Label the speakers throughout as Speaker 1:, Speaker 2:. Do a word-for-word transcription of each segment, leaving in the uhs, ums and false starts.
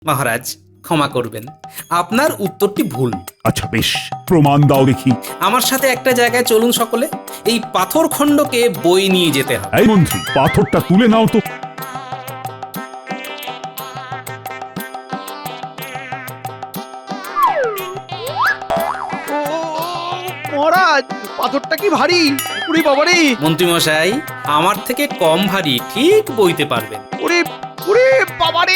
Speaker 1: মহারাজ ক্ষমা করবেন, আপনার উত্তরটি ভুল।
Speaker 2: আচ্ছা বেশ, প্রমাণ দাও দেখি।
Speaker 1: আমার সাথে একটা জায়গায় চলুন সকলে, এই পাথর খণ্ডকে বই নিয়ে যেতে হবে।
Speaker 2: এই মন্ত্রী, পাথরটা তুলে নাও তো।
Speaker 3: মহারাজ, পাথরটা কি ভারী! উড়ি বাবারে!
Speaker 1: মন্ত্রী মশাই, আমার থেকে কম ভারী, ঠিক বইতে পারবেন।
Speaker 3: ওরে ওরে বাবারে!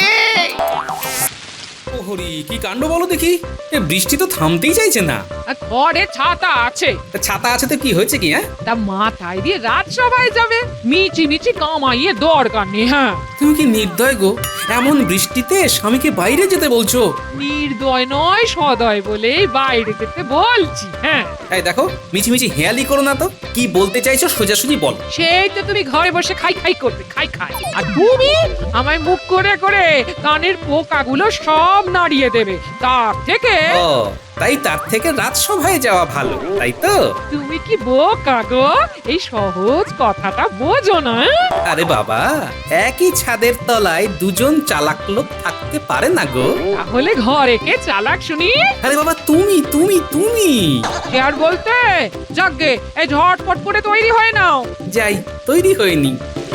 Speaker 1: ওহরি, কি কাণ্ড বলো দেখি, এ বৃষ্টি তো থামতেই চাইছে না।
Speaker 4: আর ঘরে ছাতা আছে,
Speaker 1: তা ছাতা আছে তো কি হয়েছে কি? হ্যাঁ,
Speaker 4: তা মাথায় দিয়ে রাজসভায় যাবে, মিচি মিচি কামাইয়ে দরকার নেই। হ্যাঁ,
Speaker 1: তুমি কি নির্দয় গো, এমন বৃষ্টিতে স্বামীকে বাইরে যেতে বলছো?
Speaker 4: নির্দয় নয় সদয় বলেই বাইরে যেতে বলছি। হ্যাঁ,
Speaker 1: এই দেখো, মিছিমিছি হেয়ালি করো না তো, কি বলতে চাইছো সোজাসুজি বল।
Speaker 4: সেই তো তুমি ঘরে বসে খাই খাই করবে, খাই খাই, আর তুমি আমায় মুখ করে করে কানের পোকাগুলো সব নাড়িয়ে দেবে। তার থেকে
Speaker 1: ও, তাই তার থেকে রাজসভায় যাওয়া ভালো, তাই তো?
Speaker 4: তুমি কি বোকা গো, এই সহজ কথাটা বোঝো না?
Speaker 1: আরে বাবা, একই ছাদের তলায় দুজন চালাক লোক থাকতে পারে না গো।
Speaker 4: তাহলে ঘরে কে চালাক শুনি?
Speaker 1: আরে বাবা, তুমি তুমি তুমি
Speaker 4: সে আর বলতে, যাগ্গে এই ঝটপট করে তৈরি হয়ে নাও।
Speaker 1: যাই, তৈরি হয়নি।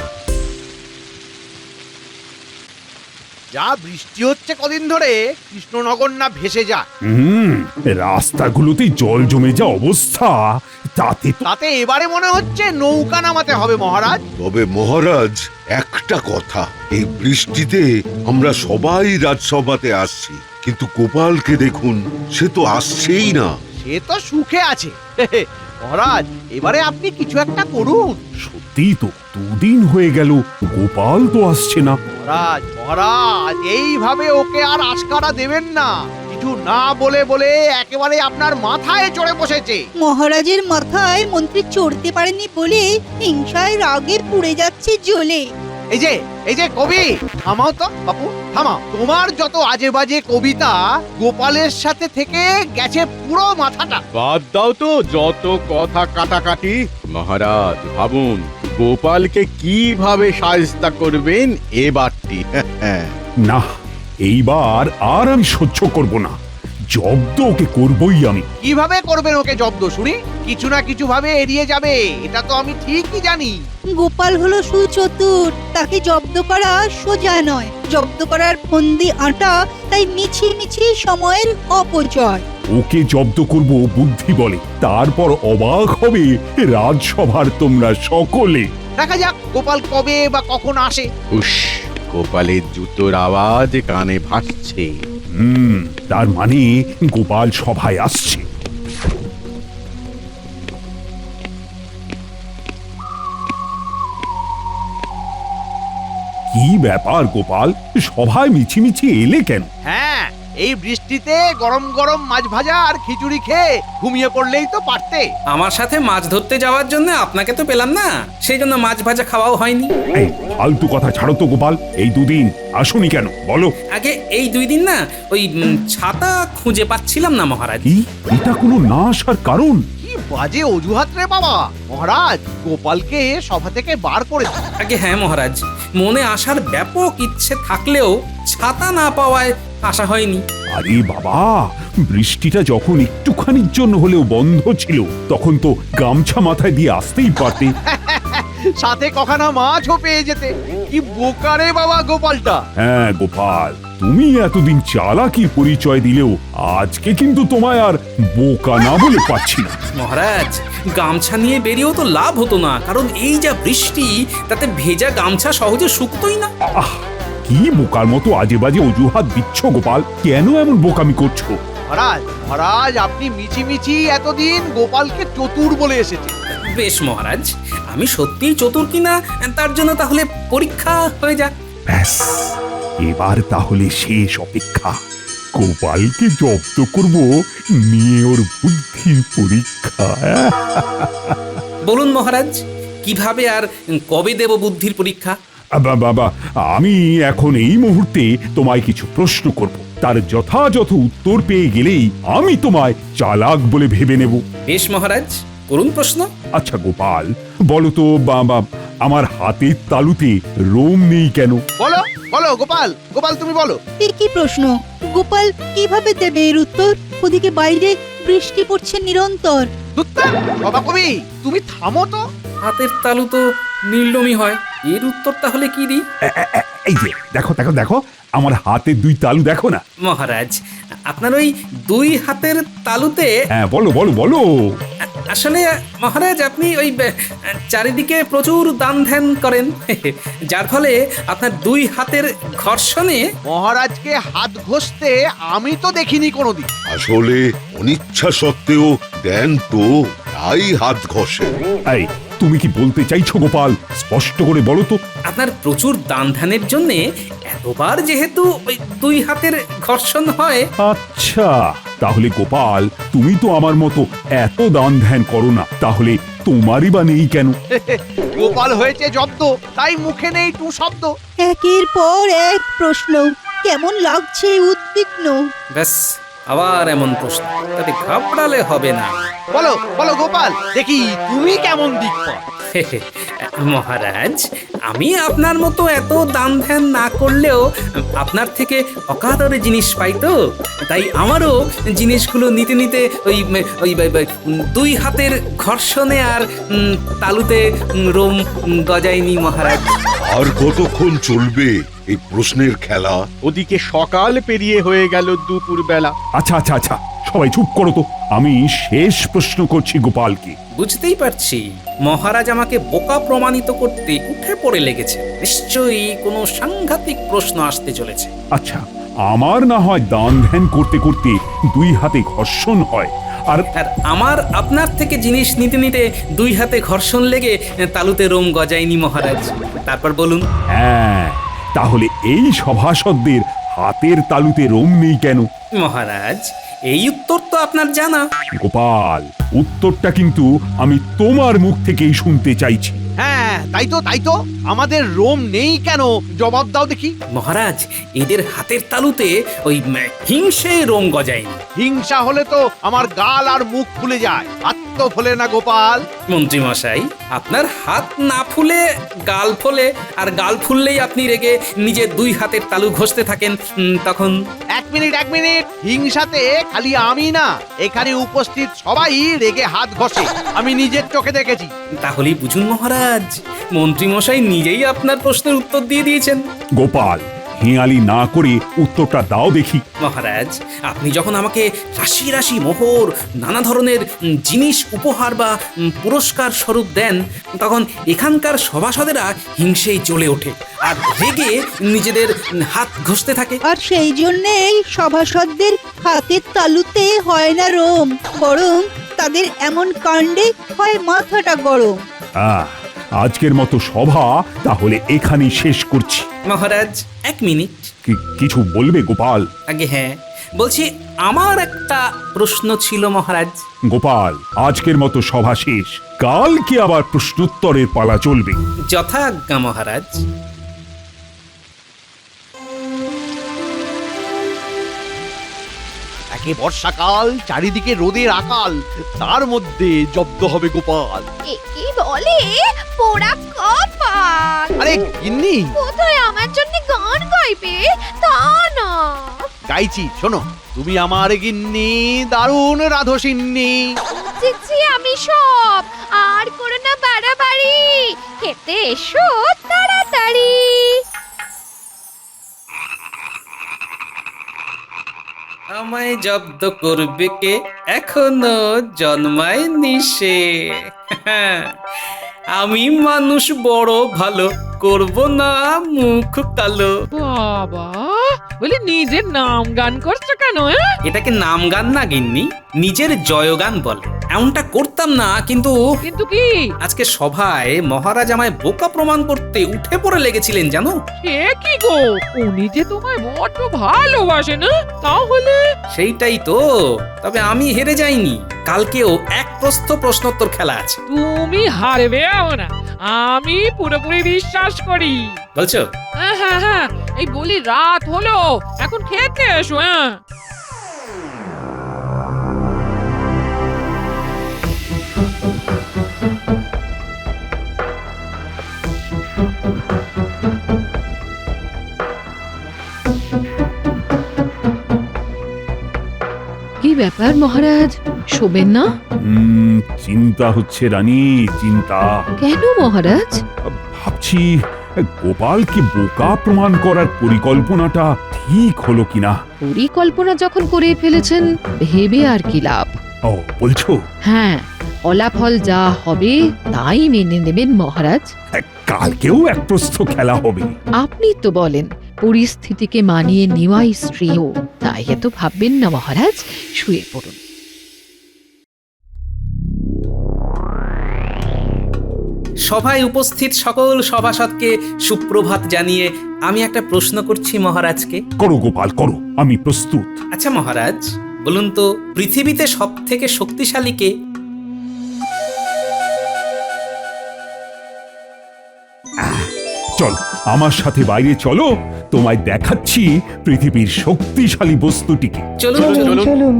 Speaker 3: যা বৃষ্টি হচ্ছে কদিন ধরে, কৃষ্ণনগর না ভেসে যা।
Speaker 2: হুম, রাস্তাগুলোতে জল জমে যা অবস্থা, তাতে তো
Speaker 3: তাতে এবারে মনে হচ্ছে নৌকা নামাতে হবে মহারাজ।
Speaker 5: তবে মহারাজ, একটা কথা, এই বৃষ্টিতে আমরা সবাই রাজসভাতে আসছি, কিন্তু গোপালকে দেখুন, সে তো আসছেই না।
Speaker 3: সে তো সুখে আছে। মহারাজ, এবারে আপনি কিছু একটা করুন।
Speaker 2: সত্যি তো, দুদিন হয়ে গেল গোপাল তো আসছে না।
Speaker 3: মহারাজ মহারাজ এইভাবে ওকে আর আশকারা দেবেন না। কিছু না বলে বলে একেবারে আপনার মাথায় চড়ে বসেছে।
Speaker 6: মহারাজের মাথায় মন্ত্রী চড়তে পারেনি বলে হিংসায় রাগে পুড়ে যাচ্ছে জ্বলে।
Speaker 3: এই যে এই যে কবি, থামাও তো বাপু, থামাও। তোমার যত আজে বাজে কবিতা গোপালের সাথে থেকে গেছে পুরো মাথাটা।
Speaker 7: বাদ দাও তো যত কথা কাটাকাটি। মহারাজ ভাবুন, গোপালকে কিভাবে সাজতা করবেন এবারটি।
Speaker 2: না, এইবার আর আমি সহ্য করব না, জব্দ ওকে করবই আমি।
Speaker 3: কিভাবে করবেন ওকে জব্দ শুনি? কিছু না কিছু ভাবে এড়িয়ে যাবে, এটা তো আমি ঠিকই জানি।
Speaker 6: গোপাল হলো সুচতুর, তাকে জব্দ করা সোজা নয়। জব্দ করার ফন্দি আটা, তাই মিছি মিছি সময়ের অপচয়।
Speaker 2: ওকে জব্দ করব বুদ্ধি বলে, তারপর অবাক হবে রাজসভার তোমরা সকলে।
Speaker 3: দেখা যাক গোপাল কবে বা কখন আসে।
Speaker 7: উস, গোপালের জুতোর আওয়াজ কানে ভাসছে।
Speaker 2: হুম, তার মানে গোপাল সভায় আসছে। কি ব্যাপার গোপাল, সভায় মিছিমিছি এলে কেন?
Speaker 3: হ্যাঁ, এই বৃষ্টিতে গরম গরম মাছ ভাজা আর খিচুড়ি খেয়ে ঘুমিয়ে পড়লেই তো পারতে।
Speaker 1: আমার সাথে মাছ ধরতে যাওয়ার জন্য আপনাকে তো পেলাম না, সেই জন্য মাছ ভাজা খাওয়াও হয়নি।
Speaker 2: এই ফালতু কথা ছাড়ো তো গোপাল, এই দুদিন আসুনি কেন বলো?
Speaker 1: আগে এই দুই দিন না, ওই উম, ছাতা খুঁজে পাচ্ছিলাম না মহারাজ।
Speaker 2: কি, এটা কোনো না আসার কারণ?
Speaker 3: কি বাজে অজুহাত রে বাবা! মহারাজ গোপালকে সভা থেকে বার করে দিন।
Speaker 1: আগে হ্যাঁ মহারাজ, মনে আসার ব্যাপক ইচ্ছে থাকলেও ছাতা না পাওয়ায় আসা হয়নি।
Speaker 2: আরে বাবা, বৃষ্টিটা যখন একটুখানির জন্য হলেও বন্ধ ছিল, তখন তো গামছা মাথায় দিয়ে আসতেই পারতে।
Speaker 3: সাথে কখানা মাছও পেয়ে যেতে। কি বোকা রে বাবা গোপালটা!
Speaker 2: হ্যাঁ গোপাল, তুমি এতদিন চালাকির পরিচয় দিলেও আজকে কিন্তু তোমায় আর বোকা না বলে পাচ্ছি না।
Speaker 1: মহারাজ, গামছা নিয়ে বেরিয়েও তো লাভ হতো না, কারণ এই যা বৃষ্টি, তাতে ভেজা গামছা সহজে শুকতোই না।
Speaker 2: আহ, কি বোকার মতো আজে বাজে অজুহাত দিচ্ছ গোপাল, কেন এমন বোকামি করছো?
Speaker 3: মহারাজ মহারাজ আপনি মিছি মিছি এতদিন গোপালকে চতুর বলে এসেছে।
Speaker 1: বেশ মহারাজ, আমি সত্যিই চতুর কিনা তার জন্য তাহলে পরীক্ষা হয়ে যাক।
Speaker 2: ব্যাস, এবার তাহলে শেষ অপেক্ষা। গোপালকে জব্দ করব, নিয়ে ওর বুদ্ধির পরীক্ষা।
Speaker 1: বলুন মহারাজ, কিভাবে আর কবে দেব বুদ্ধির পরীক্ষা?
Speaker 2: আবা বাবা, আমি এখন এই মুহূর্তে তোমায় কিছু প্রশ্ন করব, তার যথাযথ উত্তর পেয়ে গেলেই আমি তোমায় চালাক বলে ভেবে নেব।
Speaker 1: বেশ মহারাজ, করুন প্রশ্ন।
Speaker 2: আচ্ছা গোপাল, বলো তো বাবা, আমার হাতের তালুতে রোম নেই কেন?
Speaker 3: বলো বলো গোপাল, গোপাল তুমি বলো।
Speaker 6: এ কি প্রশ্ন? গোপাল কিভাবে দেবে এর উত্তর? ওদিকে বাইরে বৃষ্টি পড়ছে নিরন্তর।
Speaker 3: দুত্তা, বাবা কবি তুমি থামো তো।
Speaker 1: হাতের তালু তো নীলনমি হয়, এর উত্তর তাহলে কি দিই?
Speaker 2: এ- এ- এ- এই যে দেখো দেখো দেখো আমার হাতে দুই তালু দেখো না।
Speaker 1: মহারাজ, আপনার ওই দুই হাতের তালুতে
Speaker 2: হ্যাঁ বলো বলো বলো।
Speaker 1: আ- আসলে মহারাজ আপনি ওই বে- চারিদিকে প্রচুর দান ধ্যান করেন যার ফলে আপনার দুই হাতের ঘর্ষণে
Speaker 3: মহারাজকে হাত ঘষতে আমি তো দেখিনি কোনোদিন।
Speaker 5: আসলে অনিচ্ছা সত্ত্বেও দেন তো, তাই হাত ঘষে।
Speaker 2: এই তুমি কি বলতে চাইছো গোপাল? স্পষ্ট করে বলো তো।
Speaker 1: আপনার প্রচুর দান ধ্যানের জন্যে এতবার যেহেতু ওই দুই হাতের ঘর্ষণ হয়।
Speaker 2: আচ্ছা, তাহলে গোপাল তুমি তো আমার মতো এত দান ধ্যান করো না, তাহলে তোমারই বা নেই কেন?
Speaker 3: গোপাল হয়েছে জব্দ, তাই মুখে নেই টু শব্দ।
Speaker 6: একের পর এক প্রশ্ন, কেমন লাগছে উদ্বিগ্ন।
Speaker 1: ব্যাস, আবার এমন প্রশ্ন, তাতে ঘাবড়ালে হবে না।
Speaker 3: বলো বলো গোপাল, দেখি তুমি কেমন দিক পাও।
Speaker 1: মহারাজ, আমি আপনার মতো এত দান ধ্যান না করলেও আপনার থেকে অকাতরে জিনিস পাই তো, তাই আমারও জিনিসগুলো নিতে নিতে ওই ওই ওই- ওই দুই হাতের ঘর্ষণে আর উম, তালুতে উম, রোম উম, গজায়নি মহারাজ।
Speaker 5: আর কতক্ষণ চলবে এই প্রশ্নের খেলা?
Speaker 7: ওদিকে সকাল পেরিয়ে হয়ে গেল দুপুর বেলা।
Speaker 2: আচ্ছা আচ্ছা আচ্ছা, সবাই চুপ করো তো। আমি শেষ প্রশ্ন করছি গোপালকে।
Speaker 1: বুঝতেই পারছি মহারাজ আমাকে বোকা প্রমাণিত করতে উঠে পড়ে লেগেছে। নিশ্চয়ই কোনো সাংঘাতিক প্রশ্ন আসতে চলেছে।
Speaker 2: আচ্ছা, আমার না হয় দান ধ্যান করতে করতে দুই হাতে ঘর্ষণ হয়, আর
Speaker 1: আর আমার আপনার থেকে জিনিস নিতে নিতে দুই হাতে ঘর্ষণ লেগে তালুতে রোম গজায়নি মহারাজ। তারপর বলুন।
Speaker 2: হ্যাঁ, তাহলে এই সভাসদদের হাতের তালুতে রোম নেই কেন?
Speaker 1: মহারাজ, এই উত্তর তো আপনার জানা।
Speaker 2: গোপাল, উত্তরটা কিন্তু আমি তোমার মুখ থেকেই শুনতে চাইছি।
Speaker 3: হ্যাঁ তাই তো তাই তো, আমাদের রোম নেই কেন জবাব দাও দেখি।
Speaker 1: মহারাজ, এদের হাতের তালুতে ওই উম, হিংসে রোম গজায়নি।
Speaker 3: হিংসা হলে তো আমার গাল আর মুখ ফুলে যায়, হাত তো ফোলে না গোপাল।
Speaker 1: মন্ত্রী মশাই, আপনার হাত না ফুলে গাল ফোলে, আর গাল ফুললেই আপনি রেগে নিজের দুই হাতের তালু ঘষতে থাকেন। উম, তখন
Speaker 3: এক মিনিট এক মিনিট, হিংসাতে খালি আমি না, এখানে উপস্থিত সবাই রেগে হাত ঘষে, আমি নিজের চোখে দেখেছি।
Speaker 1: তাহলেই বুঝুন মহারাজ, মন্ত্রী মশাই নিজেই আপনার প্রশ্নের উত্তর দিয়ে দিয়েছেন।
Speaker 2: গোপাল, হেঁয়ালি না করে উত্তরটা দাও দেখি।
Speaker 1: মহারাজ, আপনি যখন আমাকে রাশি রাশি মোহর, নানা ধরনের উম, জিনিস উপহার বা উম, পুরস্কার স্বরূপ দেন, তখন এখানকার সভাসদেরা হিংসেই জ্বলে ওঠে আর রেগে নিজেদের উম, হাত ঘষতে থাকে।
Speaker 6: আর সেই জন্যেই সভাসদদের হাতের তালুতে হয় না রোম, বরং তাদের এমন কাণ্ডে হয় মাথাটা গরম।
Speaker 2: আহ, আজকের মতো সভা তাহলে এখানেই শেষ করছি।
Speaker 1: মহারাজ, এক মিনিট।
Speaker 2: কি- কিছু বলবে গোপাল?
Speaker 1: আগে হ্যাঁ, বলছি আমার একটা প্রশ্ন ছিল মহারাজ।
Speaker 2: গোপাল, আজকের মতো সভা শেষ, কালকে আবার প্রশ্নোত্তরের পালা চলবে।
Speaker 1: যথাজ্ঞা মহারাজ।
Speaker 3: একে বর্ষাকাল, চারিদিকে রোদের আকাল, তার মধ্যে জব্দ হবে গোপাল।
Speaker 8: কি বলে পোড়া কপাল,
Speaker 3: আরে গিন্নি,
Speaker 8: কোথায় আমার জন্য গান গাইবে তা না।
Speaker 3: গাইছি শোনো, তুমি আমার গিন্নি, দারুণ রাধসিন্নি।
Speaker 8: বুঝেছি আমি সব, আর করো না বাড়াবাড়ি, খেতে এসো তাড়াতাড়ি।
Speaker 1: আমায় জব্দ করবে কে, এখনো জন্মায়নি সে। আমি মানুষ বড় ভালো, করব না মুখ কালো।
Speaker 4: বাবা, বলি নিজের নাম গান করছো কেন? হ্যাঁ?
Speaker 1: এটাকে নাম গান না গিন্নি, নিজের জয়গান বলে। এমনটা করতাম না, কিন্তু
Speaker 4: কিন্তু কি?
Speaker 1: আজকে সভায় মহারাজ আমায় বোকা প্রমাণ করতে উঠে পড়ে লেগেছিলেন জানো।
Speaker 4: সে কি গো, উনি যে তোমায় বড্ড ভালোবাসে না? তাহলে
Speaker 1: সেইটাই তো, তবে আমি হেরে যাইনি। কালকেও এক প্রস্থ প্রশ্নোত্তর খেলা আছে।
Speaker 4: তুমি হারবে না, আমি পুরোপুরি বিশ্বাস করি।
Speaker 1: বলছো?
Speaker 4: হ্যাঁ হ্যাঁ হ্যাঁ, এই বলি রাত হলো, এখন খেতে এসো। হ্যাঁ,
Speaker 9: ব্যাপার মহারাজ, শোবেন না?
Speaker 2: উম, চিন্তা হচ্ছে রানী, চিন্তা।
Speaker 9: কেন মহারাজ?
Speaker 2: ভাবছি গোপালকে বোকা প্রমাণ করার পরিকল্পনাটা ঠিক হলো কিনা।
Speaker 9: পরিকল্পনা যখন করে ফেলেছেন, ভেবে আর কি লাভ?
Speaker 2: ও বলছো?
Speaker 9: হ্যাঁ, ফলাফল যা হবে তাই মেনে নেবেন মহারাজ।
Speaker 2: কালকেও এক প্রস্থ খেলা হবে।
Speaker 9: আপনি তো বলেন পরিস্থিতিকে মানিয়ে নেওয়াই শ্রেয়, তাই এত ভাববেন না মহারাজ, শুয়ে পড়ুন।
Speaker 1: সভায় উপস্থিত সকল সভাসদকে সুপ্রভাত জানিয়ে আমি একটা প্রশ্ন করছি মহারাজকে।
Speaker 2: করো গোপাল, করো, আমি প্রস্তুত।
Speaker 1: আচ্ছা মহারাজ, বলুন তো পৃথিবীতে সব থেকে শক্তিশালী কে?
Speaker 2: চলো আমার সাথে বাইরে চলো, তোমায় দেখাচ্ছি পৃথিবীর শক্তিশালী বস্তুটিকে।
Speaker 1: চলুন চলুন
Speaker 10: চলুন।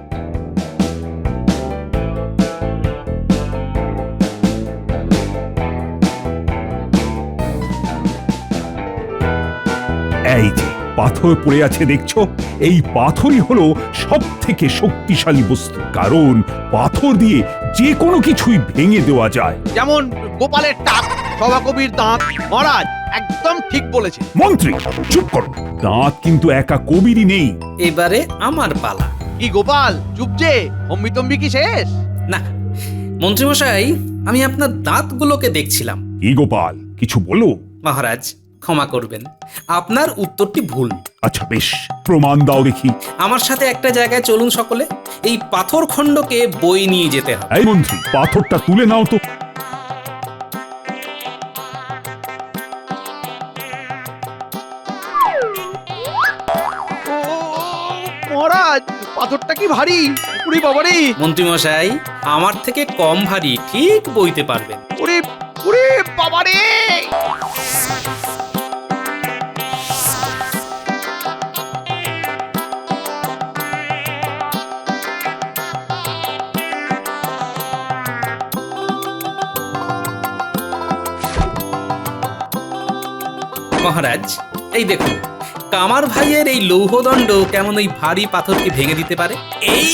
Speaker 2: এই যে পাথর পড়ে আছে দেখছো, এই পাথরই হলো সব থেকে শক্তিশালী বস্তু, কারণ পাথর দিয়ে যে কোনো কিছুই ভেঙে দেওয়া যায়।
Speaker 3: যেমন গোপালের টাক, সভাকবির দাঁত। মহারাজ একদম ঠিক বলেছে।
Speaker 2: মন্ত্রী চুপ করো, দাঁত কিন্তু একা কবিরই নেই।
Speaker 1: এবারে আমার পালা।
Speaker 3: কি গোপাল, চুপ যে, অম্বিতম্বি কি শেষ?
Speaker 1: না মন্ত্রীমশাই, আমি আপনার দাঁতগুলোকে দেখছিলাম।
Speaker 2: কি গোপাল, কিছু বলো।
Speaker 1: মহারাজ ক্ষমা করবেন, আপনার উত্তরটি ভুল।
Speaker 2: আচ্ছা বেশ, প্রমাণ দাও দেখি।
Speaker 1: আমার সাথে একটা জায়গায় চলুন সকলে, এই পাথর খণ্ডকে বই নিয়ে যেতে হবে।
Speaker 2: এই মন্ত্রী, পাথরটা তুলে নাও তো।
Speaker 3: ও, মহারাজ পাথরটা কি ভারী! উড়ি বাবারে!
Speaker 1: মন্ত্রীমশাই, আমার থেকে কম ভারী, ঠিক বইতে পারবেন।
Speaker 3: উড়ি উড়ি বাবারে!
Speaker 1: মহারাজ এই দেখুন, কামার ভাইয়ের এই লৌহদণ্ড কেমন ওই ভারী পাথরকে ভেঙে দিতে পারে। এই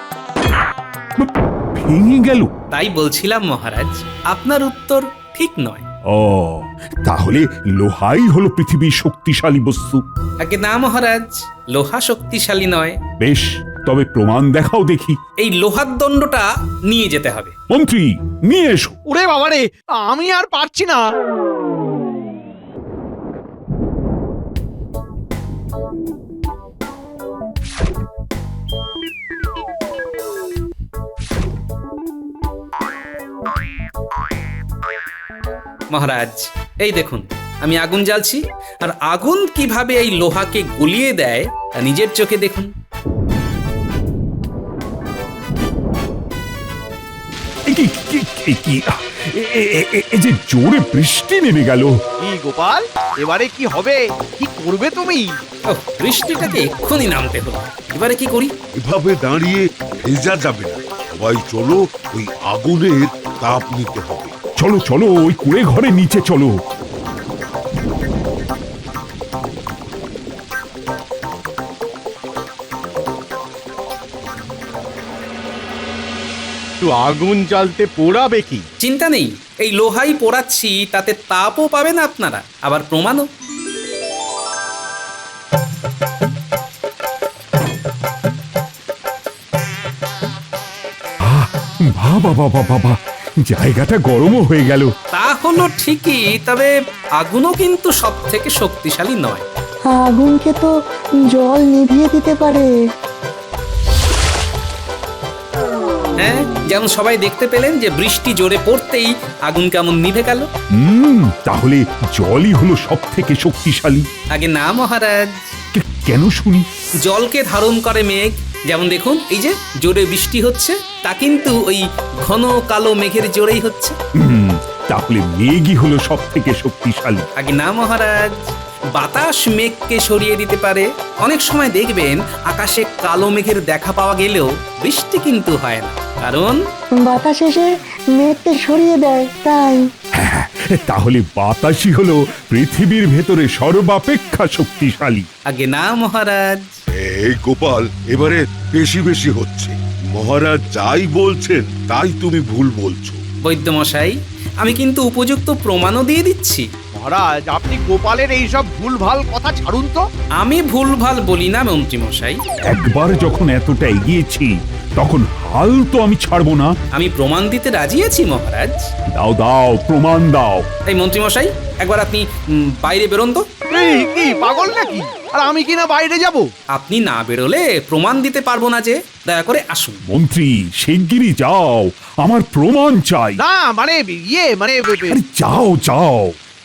Speaker 2: ভেঙে গেল?
Speaker 1: তাই বলছিলাম মহারাজ, আপনার উত্তর ঠিক নয়।
Speaker 2: ও, তাহলে লোহাই হলো পৃথিবীর শক্তিশালী বস্তু?
Speaker 1: আগে না মহারাজ, লোহা শক্তিশালী নয়।
Speaker 2: বেশ, তবে প্রমাণ দেখাও দেখি।
Speaker 1: এই লোহার দণ্ডটা নিয়ে যেতে হবে।
Speaker 2: মন্ত্রী নিয়ে এসো।
Speaker 3: উড়ে বাবারে, আমি আর পারছি না।
Speaker 1: মহারাজ এই দেখুন, আমি আগুন জ্বালছি, আর আগুন কিভাবে এই লোহাকে গলিয়ে দেয় তা নিজের চোখে দেখুন।
Speaker 2: এ কি কি- কি- কি আহ, এ- এ- এ- এ- এ যে জোরে বৃষ্টি নেমে গেল।
Speaker 3: কি গোপাল, এবারে কি হবে? কি করবে তুমি?
Speaker 1: ও, বৃষ্টিটাকে এক্ষুনি নামতে হলো, এবারে কি করি?
Speaker 5: এভাবে দাঁড়িয়ে ভেজা যাবে না, সবাই চলো, ওই আগুনের তাপ নিতে হবে।
Speaker 2: চলো চলো, ওই কুড়ে ঘরে নিচে চলো।
Speaker 7: একটু আগুন জ্বালতে পোড়াবে কি?
Speaker 1: চিন্তা নেই, এই লোহাই পোড়াচ্ছি, তাতে তাপও পাবেন আপনারা, আবার প্রমাণও।
Speaker 2: বাবা বাবা বাবা, জায়গাটা গরমও হয়ে গেল।
Speaker 1: তা হলো ঠিকই, তবে আগুনও কিন্তু সব থেকে শক্তিশালী নয়।
Speaker 10: আগুনকে তো জল নিভিয়ে দিতে পারে।
Speaker 1: হ্যাঁ, যেমন সবাই দেখতে পেলেন যে বৃষ্টি জোরে পড়তেই আগুন কেমন নিভে গেল।
Speaker 2: হুম, তাহলে জলই হলো সব থেকে শক্তিশালী।
Speaker 1: আগে না মহারাজ,
Speaker 2: কে- কেন শুনি?
Speaker 1: জলকে ধারণ করে মেঘ, যেমন দেখুন এই যে জোরে বৃষ্টি হচ্ছে, তা কিন্তু ওই ঘন কালো মেঘের জোরেই হচ্ছে।
Speaker 2: হুম, তাহলে মেঘই হলো সব থেকে শক্তিশালী।
Speaker 1: আগে না মহারাজ, বাতাস মেঘকে সরিয়ে দিতে পারে। অনেক সময় দেখবেন আকাশে কালো মেঘের দেখা পাওয়া গেলেও বৃষ্টি কিন্তু হয় না, কারণ
Speaker 10: বাতাস এসে মেঘকে সরিয়ে দেয়, তাই।
Speaker 2: তাহলে বাতাসই হলো পৃথিবীর ভেতরে সর্বাপেক্ষা শক্তিশালী।
Speaker 1: আগে না মহারাজ।
Speaker 5: এই গোপাল, এবারে বেশি বেশি হচ্ছে। মহারাজ যাই বলছেন তাই তুমি ভুল বলছো।
Speaker 1: বৈদ্যমশাই, আমি কিন্তু উপযুক্ত প্রমাণও দিয়ে দিচ্ছি।
Speaker 3: মহারাজ, আপনি গোপালের এইসব ভুলভাল কথা ছাড়ুন তো।
Speaker 1: আমি ভুলভাল বলি না মন্ত্রীমশাই।
Speaker 2: একবার যখন এতটা এগিয়েছি তখন হাল তো আমি ছাড়বো না।
Speaker 1: আমি প্রমাণ দিতে রাজি আছি মহারাজ।
Speaker 2: দাও দাও প্রমাণ দাও।
Speaker 1: এই মন্ত্রীমশাই, একবার আপনি উম, বাইরে বেরোন তো।
Speaker 3: এই কি পাগল নাকি? আর আমি কিনা বাইরে যাব?
Speaker 1: আপনি না বেরোলে প্রমাণ দিতে পারবো না যে। দয়া করে আসুন।
Speaker 2: মন্ত্রী শিগগিরই যাও, আমার প্রমাণ চাই।
Speaker 3: না মানে ইয়ে মানে
Speaker 2: আরে যাও যাও।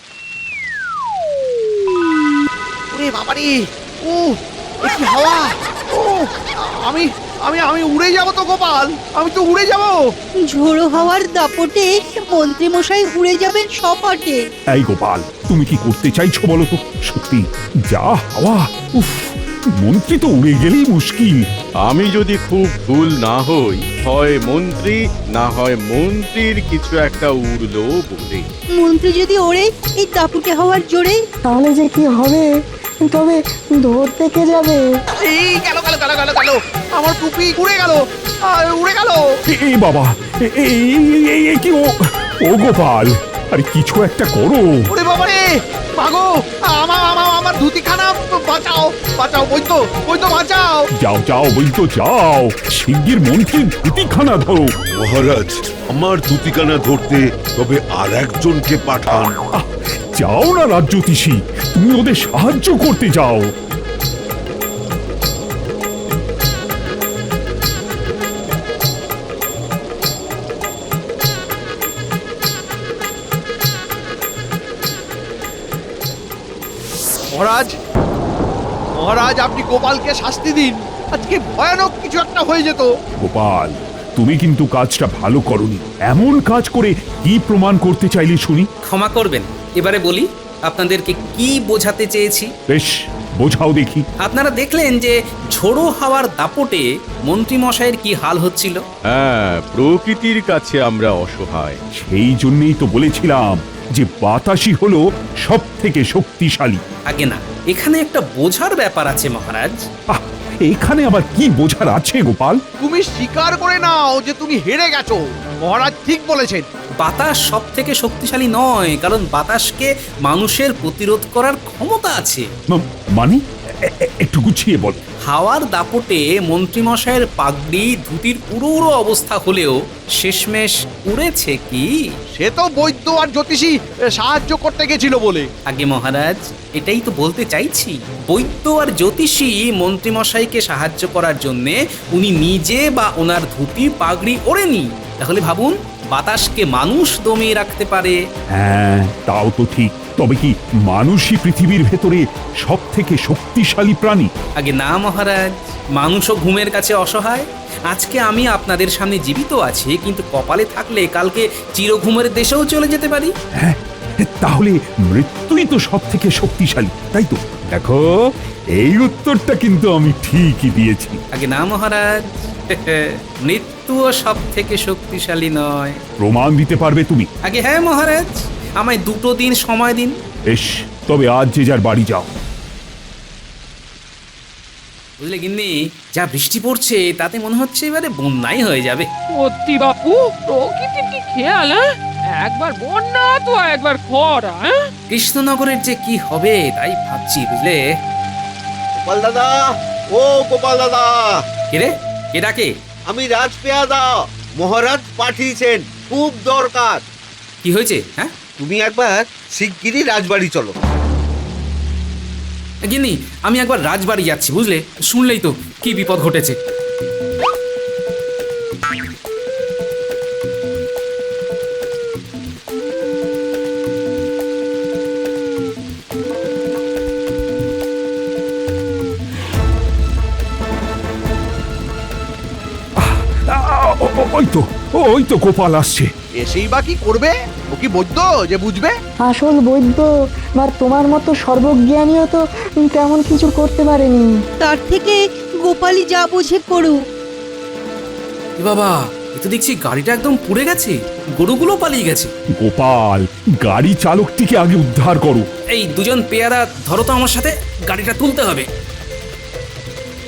Speaker 3: ওরে বাবারে, ও এ কি হাওয়া! ও আমি আমি আমি উড়ে যাব তো গোপাল, আমি তো উড়ে যাব।
Speaker 6: ঝোড়ো হাওয়ার দাপটে মন্ত্রী মশাই উড়ে যাবেন সপাটে।
Speaker 2: এই গোপাল, তুমি কি করতে চাইছো বলো তো? সত্যি যা হাওয়া, উফ, মন্ত্রী তো উড়ে গেলেই মুশকিল।
Speaker 7: আমি যদি খুব ভুল না হই, হয় মন্ত্রী না হয় মন্ত্রীর কিছু একটা উড়লো বলে।
Speaker 6: মন্ত্রী যদি ওড়ে এই দাপুটে হাওয়ার জোরে,
Speaker 10: তাহলে যে কি হবে, তবে ধরতে কে যাবে?
Speaker 3: এই গেল গেল গেল গেল গেল, আমার টুপি উড়ে গেল, আহ, উড়ে গেল।
Speaker 2: এ এ বাবা, এ- এ- এ- এ- এ কি ও ও গোপাল, আরে কিছু একটা করো।
Speaker 3: ওরে বাবারে, মাগো, আমার আমার আমার ধুতিখানা বাঁচাও, বাঁচাও বৈদ্য, বৈদ্য বাঁচাও।
Speaker 2: যাও যাও বলতো যাও, শিগগির মন্ত্রীর ধুতিখানা ধরো।
Speaker 5: মহারাজ, আমার ধুতিকানা ধরতে তবে আর একজনকে পাঠান।
Speaker 2: আহ, যাও না রাজ্যতীষী, তুমি ওদের সাহায্য করতে যাও।
Speaker 3: মহারাজ, মহারাজ আপনি গোপালকে শাস্তি দিন, আজকে ভয়ানক কিছু একটা হয়ে যেত।
Speaker 2: গোপাল, তুমি কিন্তু কাজটা ভালো করনি। এমন কাজ করে কি প্রমাণ করতে চাইলে শুনি?
Speaker 1: ক্ষমা করবেন, এবারে বলি আপনাদেরকে কি বোঝাতে চেয়েছি।
Speaker 2: বেশ, বোঝাও দেখি।
Speaker 1: আপনারা দেখলেন যে ঝোড়ো হাওয়ার দাপটে মন্ত্রীমশাইয়ের কি হাল হচ্ছিল।
Speaker 7: হ্যাঁ, প্রকৃতির কাছে আমরা অসহায়।
Speaker 2: সেই জন্যই তো বলেছিলাম যে বাতাসই হলো সব থেকে শক্তিশালী।
Speaker 1: আগে না, এখানে একটা বোঝার ব্যাপার আছে মহারাজ।
Speaker 2: আহ, এখানে আবার কি বোঝার আছে গোপাল?
Speaker 3: তুমি স্বীকার করে নাও যে তুমি হেরে গেছো। মহারাজ ঠিক বলেছেন।
Speaker 1: বাতাস সব থেকে শক্তিশালী নয়, কারণ বাতাসকে মানুষের প্রতিরোধ করার ক্ষমতা আছে।
Speaker 2: ম- মানে এ- এ- একটু গুছিয়ে বল।
Speaker 1: হাওয়ার দাপটে মন্ত্রীমশাইয়ের পাগড়ি ধুতির উড়ো উড়ো অবস্থা হলেও শেষমেশ উড়েছে কি?
Speaker 3: সে তো বৈদ্য আর জ্যোতিষী এ, সাহায্য করতে গেছিল বলে।
Speaker 1: আগে মহারাজ, এটাই তো বলতে চাইছি। বৈদ্য আর জ্যোতিষী মন্ত্রীমশাইকে সাহায্য করার জন্যে উনি নিজে বা ওনার ধুতি পাগড়ি ওড়েনি। তাহলে ভাবুন, বাতাসকে মানুষ দমিয়ে রাখতে পারে।
Speaker 2: হ্যাঁ, তাও তো ঠিক। তবে কি মানুষই পৃথিবীর ভেতরে সব থেকে শক্তিশালী প্রাণী?
Speaker 1: আগে না মহারাজ, মানুষও ঘুমের কাছে অসহায়। আজকে আমি আপনাদের সামনে জীবিত আছি, কিন্তু কপালে থাকলে কালকে চিরঘুমের দেশেও চলে যেতে পারি।
Speaker 2: হ্যাঁ, তাহলে মৃত্যুই তো সব থেকে শক্তিশালী, তাই তো? দেখো, এই উত্তরটা কিন্তু আমি ঠিকই দিয়েছি।
Speaker 1: আগে না মহারাজ, মৃত্যুও সব থেকে শক্তিশালী নয়।
Speaker 2: প্রমাণ দিতে পারবে তুমি?
Speaker 1: আগে হ্যাঁ মহারাজ, আমায় দুটো দিন সময় দিন।
Speaker 2: বেশ, তবে আজ যে যার বাড়ি যাও।
Speaker 1: বুঝলে গিন্নি, যা বৃষ্টি পড়ছে তাতে মনে হচ্ছে এবারে বন্যাই হয়ে যাবে।
Speaker 4: সত্যি বাপু, প্রকৃতির কি খেয়াল, হ্যাঁ? একবার বন্যা তো একবার খরা, হ্যাঁ?
Speaker 1: কৃষ্ণনগরের যে কি হবে তাই ভাবছি, বুঝলে।
Speaker 11: গোপাল দাদা, ও গোপাল দাদা,
Speaker 1: কে রে? কে ডাকে?
Speaker 11: আমি রাজপেয়াদা। মহারাজ পাঠিয়েছেন, খুব দরকার।
Speaker 1: কি হয়েছে? হ্যাঁ
Speaker 11: তুমি একবার শিগগিরই রাজবাড়ি চলো।
Speaker 1: গিন্নি, আমি একবার রাজবাড়ি যাচ্ছি, বুঝলে। শুনলেই তো কি বিপদ ঘটেছে।
Speaker 2: আ, ও- ও- ওই তো ওই তো গোপাল আসছে।
Speaker 3: এসেই বা কি করবে? ও কি বৈদ্য যে বুঝবে?
Speaker 10: আসল বৈদ্য বা তোমার মতো সর্বজ্ঞানীও তো তেমন কিছু করতে পারেনি।
Speaker 6: তার থেকে গোপালই যা বোঝে করুক।
Speaker 1: এ বাবা, এ তো দেখছি গাড়িটা একদম পুড়ে গেছে, গরুগুলো পালিয়ে গেছে।
Speaker 2: গোপাল, গাড়ি চালকটিকে আগে উদ্ধার করো।
Speaker 1: এই দুজন পেয়ারা ধরো তো আমার সাথে, গাড়িটা তুলতে হবে।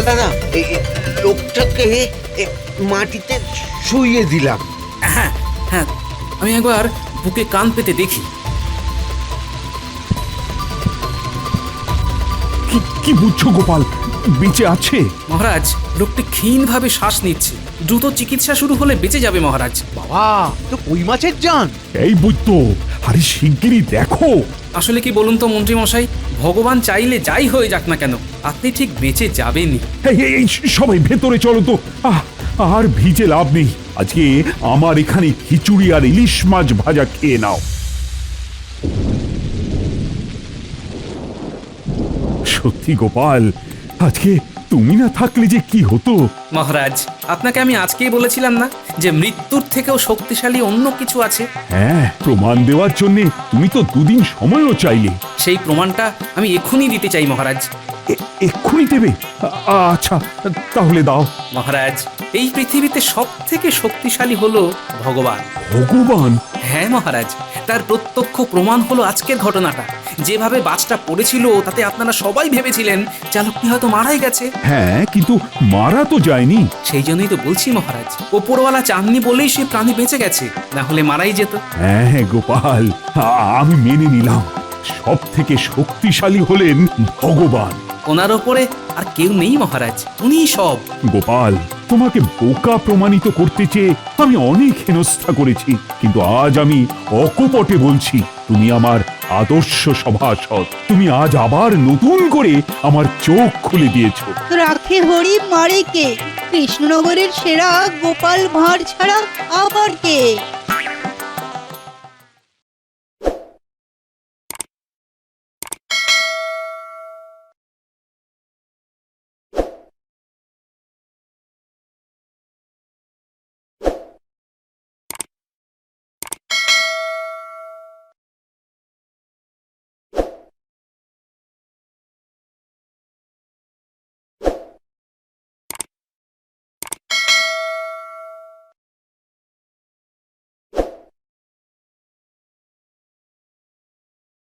Speaker 11: দাদা এই এই লোকটাকে এ, মাটিতে শুইয়ে দিলাম।
Speaker 1: হ্যাঁ হ্যাঁ আমি একবার বুকে কান পেতে দেখি।
Speaker 2: কি কি বুঝছো গোপাল, বেঁচে আছে?
Speaker 1: মহারাজ, লোকটি ক্ষীণভাবে শ্বাস নিচ্ছে। দ্রুত চিকিৎসা শুরু হলে বেঁচে যাবে মহারাজ।
Speaker 3: বাবা তো কই মাছের জান।
Speaker 2: এই বুঝতো, আরে শিগগিরই দেখো।
Speaker 1: আসলে কি বলুন তো মন্ত্রী মশাই, ভগবান চাইলে যাই হয়ে যাক না কেন, আপনি ঠিক বেঁচে যাবেনই।
Speaker 2: এই এই, এই সবাই ভেতরে চলো তো। আহ আর ভিজে লাভ নেই, আজকে আমার এখানে খিচুড়ি আর ইলিশ মাছ ভাজা খেয়ে নাও। সত্যি গোপাল, আজকে তুমি না থাকলে যে কি হতো।
Speaker 1: মহারাজ, আপনাকে আমি আজকেই বলেছিলাম না যে মৃত্যুর থেকেও শক্তিশালী অন্য কিছু আছে।
Speaker 2: হ্যাঁ, প্রমাণ দেওয়ার জন্য তুমি তো দুদিন সময়ও চাইলে।
Speaker 1: সেই প্রমাণটা আমি এক্ষুনি দিতে চাই মহারাজ।
Speaker 2: এ- এক্ষুনি দেবে? আ- আচ্ছা, তাহলে দাও।
Speaker 1: মহারাজ, এই পৃথিবীতে সব থেকে শক্তিশালী হলো ভগবান।
Speaker 2: ভগবান?
Speaker 1: হ্যাঁ মহারাজ, তার প্রত্যক্ষ প্রমাণ হলো আজকের ঘটনাটা। যেভাবে বাসটা পড়েছিল তাতে আপনারা সবাই ভেবেছিলেন চালকটি হয়তো মারাই গেছে।
Speaker 2: হ্যাঁ, কিন্তু মারা তো যায়নি।
Speaker 1: সেই জন্যই তো বলছি মহারাজ, ওপরওয়ালা চাননি বলেই সে প্রাণী বেঁচে গেছে, না হলে মারাই যেত।
Speaker 2: হ্যাঁ গোপাল, আ- আমি মেনে নিলাম, সব থেকে শক্তিশালী হলেন ভগবান।
Speaker 1: ওনার ওপরে আর কেউ নেই মহারাজ, উনিই সব।
Speaker 2: গোপাল, তোমাকে বোকা প্রমাণিত করতে চেয়ে আমি অনেক হেনস্থা করেছি, কিন্তু আজ আমি অকপটে বলছি, তুমি আমার আদর্শ সভাসদ। তুমি আজ আবার নতুন করে আমার চোখ খুলে দিয়েছো।
Speaker 6: রাখে হরি মারে কে? কৃষ্ণনগরের সেরা গোপাল ভাঁড় ছাড়া আবার কে?